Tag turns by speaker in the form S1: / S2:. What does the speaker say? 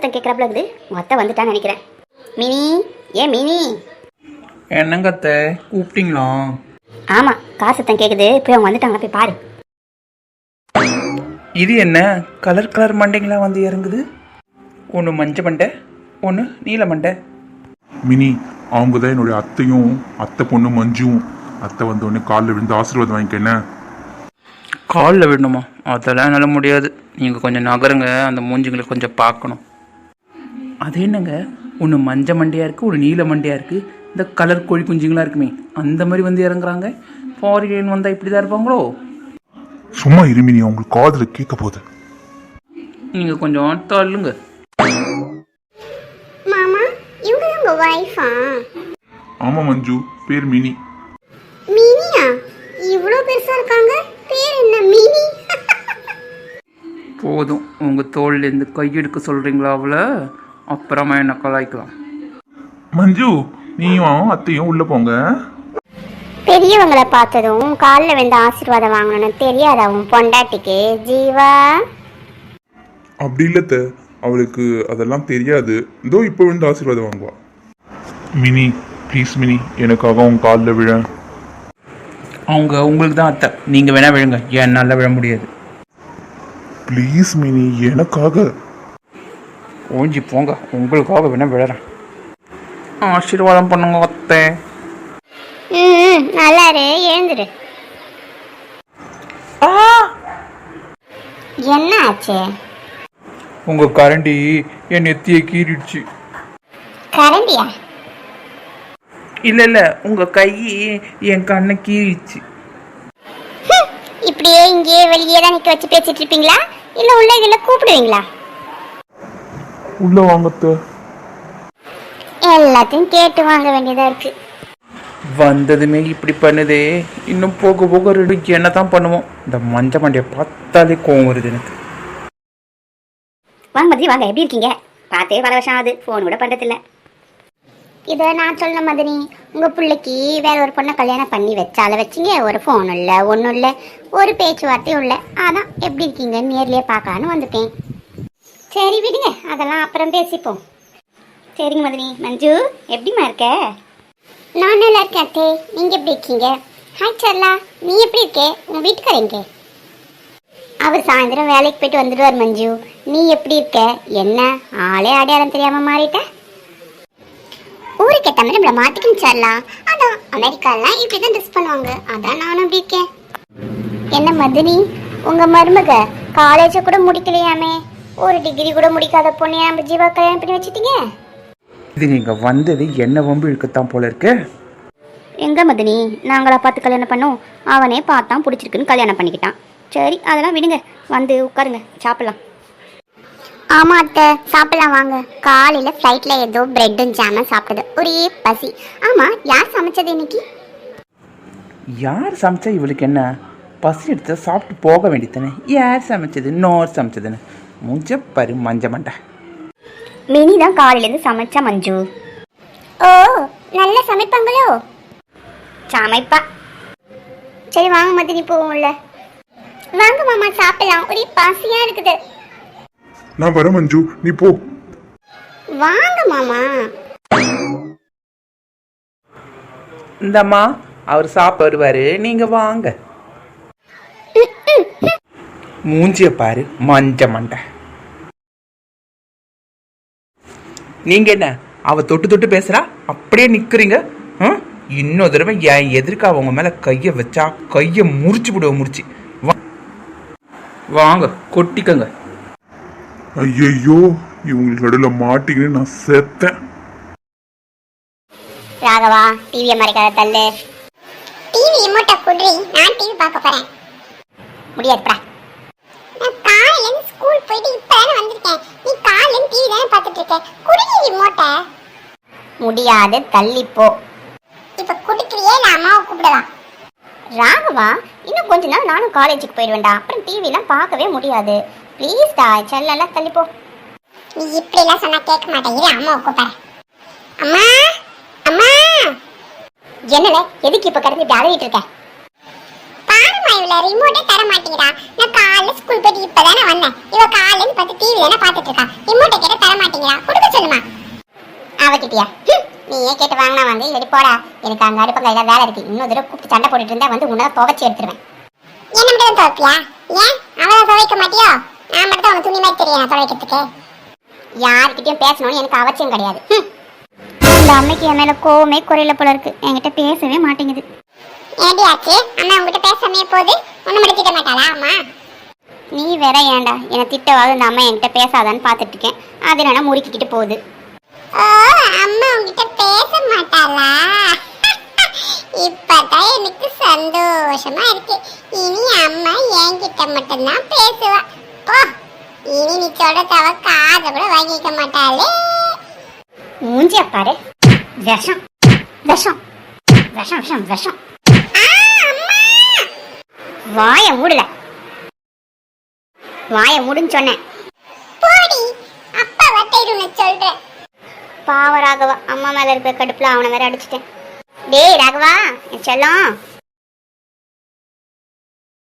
S1: சத்தம் கேட்குறாப்புல இருக்குது. உங்கள் அத்தை வந்துட்டான்னு நினைக்கிறேன். மினி, ஏன் மினி?
S2: என்னங்க அத்தை கூப்பிட்டீங்களா?
S1: ஆமாம், கார் சத்தம் கேட்குது. போய் அவங்க வந்துட்டாங்க, போய் பாரு.
S2: இது என்ன கலர் கலர் மண்டைங்களா வந்து இறங்குது? ஒன்று மஞ்சள் மண்டை, ஒன்று நீல மண்டை.
S3: மினி, அவங்க தான் என்னுடைய அத்தையும் அத்தை பொண்ணு மஞ்சும். அத்தை வந்த உடனே காலில் விழுந்து ஆசீர்வாதம் வாங்கிக்க. என்ன
S2: காலில் விடணுமா? அதெல்லாம் என்னால் முடியாது. நீங்கள் கொஞ்சம் நகருங்க, அந்த மூஞ்சிங்களை கொஞ்சம் பார்க்கணும். அது என்னங்க, ஒன்று மஞ்சள் மண்டையாக இருக்குது, ஒரு நீல மண்டையாக இருக்குது. இந்த கலர் கோழி குஞ்சுங்களாக இருக்குமே, அந்த மாதிரி வந்து இறங்குறாங்க. ஃபாரின் வந்தால் இப்படி தான் இருப்பாங்களோ?
S3: சும்மா இருமினி, அவங்களுக்கு காதில் கேட்க போகுது.
S2: நீங்கள் கொஞ்சம் தள்ளுங்க.
S1: மாமா, இவங்க தான் உங்கள் ஒய்ஃபா?
S3: ஆமாம் மஞ்சு, பேர் மினி.
S1: மினியா? இவ்வளோ பெருசாக இருக்காங்க. பேர் என்ன, மினி?
S2: போதும், உங்கள் தோல்லேருந்து கையெடுக்க சொல்கிறீங்களா அவளை? அப்புறமா என்ன கலாய்க்கலாம்.
S3: மஞ்சு, நீயும் அத்தையும் உள்ளே போங்க.
S1: பெரியவங்களை பார்த்ததும் காலில் வந்து ஆசீர்வாதம் வாங்கணும்னு தெரியாதா உன் பொண்டாட்டிக்கு? ஜீவா,
S3: அப்படி இல்லத்த, அவளுக்கு அதெல்லாம் தெரியாது. இதோ இப்போ விழுந்து ஆசீர்வாதம் வாங்குவா. மினி ப்ளீஸ் மினி, எனக்காக அவங்க காலில் விழ.
S2: அவங்க உங்களுக்கு தான் அத்தை, நீங்கள் வேணா விழுங்க, என்னால் விழ முடியாது.
S3: ப்ளீஸ் மினி, எனக்காக.
S2: ஓஞ்சி போங்க, உங்களுக்காக வேணா விழறேன். ஆசீர்வாதம் பண்ணுங்க அத்தை.
S1: நல்லாரு, எழுந்துரு. என்ன ஆச்சு?
S2: உங்கள் கரண்டி என் நெத்தியை கீறிடுச்சு.
S1: கரண்டியா?
S2: இல்லை உங்கள் கை என் கண்ணை கீறிடுச்சு.
S1: இப்படியே இங்கேயே வெளியே தான் நிற்க வச்சு பேசிட்டு இருப்பீங்களா, இல்லை உள்ள இதில் கூப்பிடுவீங்களா?
S3: உள்ள வாங்கத்த.
S1: எல்லாத்தையும் கேட்டு வாங்க வேண்டியதா இருக்கு.
S2: வந்ததுமே இப்படி பண்ணுதே, இன்னும் போக போக ரெண்டு என்ன தான் பண்ணுவோம். இந்த மஞ்சள் மண்டையை பார்த்தாலே கோவம் வருது எனக்கு.
S1: வாங்க மதினி, வாங்க. எப்படி இருக்கீங்க? பார்த்தே பல வருஷம் ஆகுது, ஃபோன் கூட பண்ணுறதில்ல. இதை நான் சொல்ல மதினி, உங்கள் பிள்ளைக்கு வேற ஒரு பொண்ணை கல்யாணம் பண்ணி வச்சால வச்சிங்க. ஒரு ஃபோன் இல்லை, ஒன்றும் இல்லை, ஒரு பேச்சுவார்த்தையும் இல்லை. அதான் எப்படி இருக்கீங்கன்னு நேர்லேயே பார்க்கலான்னு வந்துட்டேன். சரி விடுங்க, அதெல்லாம் அப்புறம் பேசிப்போம். சரிங்க மதினி. மஞ்சு, எப்படிமா இருக்க? நான் நல்லா இருக்கேன் அத்தே, நீங்கள் எப்படி இருக்கீங்க? ஹாய் சர்லா, நீ எப்படி இருக்கே? உங்கள் வீட்டுக்காரங்க? அவர் சாயந்தரம் வேலைக்கு போயிட்டு வந்துடுவார். மஞ்சு, நீ எப்படி இருக்க? என்ன ஆளே அடையாளம் தெரியாமல் மாறிட்ட? ஊருக்கு ஏற்ற நம்மளை மாற்றிக்கணும் சர்லா. அதான் அமெரிக்காலாம் இப்படி தான் ட்ரெஸ் பண்ணுவாங்க, அதான் நானும் அப்படி இருக்கேன். என்ன மதினி, உங்கள் மருமக காலேஜை கூட முடிக்கலையாமே? ஒரு டிகிரி கூட முடிக்காத பொண்ணு நம்ம ஜீவா கல்யாணம் பண்ணி வச்சுட்டீங்க.
S2: இது நீங்கள் வந்தது என்ன வம்பு இழுக்கத்தான் போல இருக்கு.
S1: எங்க மதினி, நாங்களா பார்த்து கல்யாணம் பண்ணோம்? அவனே பார்த்தான், பிடிச்சிருக்குன்னு கல்யாணம் பண்ணிக்கிட்டான். சரி, அதெல்லாம் விடுங்க, வந்து உட்காருங்க, சாப்பிடலாம். ஆமாம் அத்தை, சாப்பிடலாம் வாங்க. காலையில் ஃப்ளைட்டில் ஏதோ பிரெட்டும் ஜாமும் சாப்பிட்டது, ஒரே பசி. ஆமாம், யார் சமைச்சது இன்னைக்கு?
S2: யார் சமைச்சா இவளுக்கு என்ன? பசி எடுத்து சாப்பிட்டு போக வேண்டியதானே. யார் சமைச்சது? நோர் சமைச்சதுன்னு மூஞ்ச பரு மஞ்ச மண்டை.
S1: மினி தான் காலையிலேருந்து சமைச்சா மஞ்சு. ஓ, நல்லா சமைப்பாங்களோ? சமைப்பா. சரி வாங்க மதினி, போவோம்ல. வாங்க மாமா, சாப்பிடலாம், ஒரே பசியா இருக்குது.
S3: நான் வரேன் மஞ்சு, நீ போ.
S1: வாங்க மாமா.
S2: இந்தம்மா, அவர் சாப்பிட்டு வருவாரு, நீங்க வாங்க. மூஞ்சிய பாரு மஞ்ச மண்டை. நீங்க என்ன அவ தொட்டு தொட்டு பேசுறா, அப்படியே நிக்கிறீங்க? இன்னொரு தடவை என் எதிர்க்க அவங்க மேல கைய வச்சா கைய முறிச்சு விடுவோம். முறிச்சு வாங்க, கொட்டிக்கங்க.
S3: ஐயோ, இவங்களுக்கு நடுவில் மாட்டிக்கின்னு நான் செத்தேன்.
S1: ராகவா, டிவியை மறைக்காத தள்ளு. டிவி ரிமோட்டை குடுறி, நான் டிவி பார்க்க போறேன். முடியாதுப்பா. நான் காலையில இருந்து ஸ்கூல் போயிட்டு இப்பதானே வந்திருக்கேன். நீ காலையில டிவி தானே பார்த்துட்டு இருக்க, குடுறி ரிமோட்டை. முடியாது, தள்ளி போ. இப்ப குடுக்கறியே, நான் அம்மாவை கூப்பிடலாம். ராகவா, இன்னும் கொஞ்ச நாள் நானும் காலேஜுக்கு போயிடுவேன்டா, அப்புறம் டிவிலாம் பார்க்கவே முடியாது. ப்ளீஸ் டா, செல்லலாம் தள்ளி போ. நீ இப்படிலாம் சொன்னா கேட்க மாட்டேங்கிற, அம்மாவை கூப்பிடுறேன். அம்மா, அம்மா. என்னல, எதுக்கு இப்ப கிடந்து இப்படி அழுகிட்டு இருக்க? பாருமா, இவ்வளவு ரிமோட்டே தர மாட்டேங்கிறா. நான் காலையில காலைல ஸ்கூல் போயிட்டு இப்பதானே வந்தேன். இவ காலைல இருந்து பார்த்து டிவி தானே பார்த்துட்டு இருக்கா. ரிமோட்டை கேட்ட தர மாட்டீங்களா? கொடுக்க சொல்லுமா. அவகிட்டியா? நீயே கேட்டு வாங்கினா வாங்க, இல்லடி போடா. எனக்கு அங்க அடுப்ப கையில வேலை இருக்கு. இன்னொரு தடவை கூப்பிட்டு சண்டை போட்டுட்டு இருந்தா வந்து உன்னை துவைச்சி எடுத்துருவேன். என்ன மட்டும் துவைப்பியா? ஏன் அவளை துவைக்க மாட்டியோ? நான் மட்டும் உனக்கு துணி மாதிரி தெரியும் துவைக்கிறதுக்கு. யார்கிட்டயும் பேசணும்னு எனக்கு அவசியம் கிடையாது. இந்த அம்மைக்கு என் மேல கோவமே குறையில போல இருக்கு. என்கிட்ட பேசவே மாட்டேங்குது. ஏடி ஆச்சு? அம்மா உங்ககிட்ட பேசாமே போகுது. ஒண்ணு மட்டும் திட்ட மாட்டாளா அம்மா? நீ வேற ஏன்டா என்னை திட்டவாது இந்த அம்மா என்கிட்ட பேசாதான்னு பார்த்துட்டு இருக்கேன். அதனால முறுக்கிக்கிட்டு போகுது. ஓ, அம்மா உங்ககிட்ட பேச மாட்டாளா? இப்பதான் எனக்கு சந்தோஷமா இருக்கு. இனி அம்மா என்கிட்ட மட்டும்தான் பேசுவா. போ, இனி நீ சொல்றதவ காத கூட வாங்கிக்க மாட்டாளே. மூஞ்சிய பாரு. விஷம் விஷம் விஷம் விஷம் விஷம். வாய மூடல. வாய மூடுன்னு சொன்னேன். போடி, அப்பா வட்டைடுன்னு சொல்றேன். பாவ ராகவா, அம்மா மேல இருக்கிற கடுப்புல அவனை வேற அடிச்சிட்டேன். டேய் ராகவா, என் செல்லம்,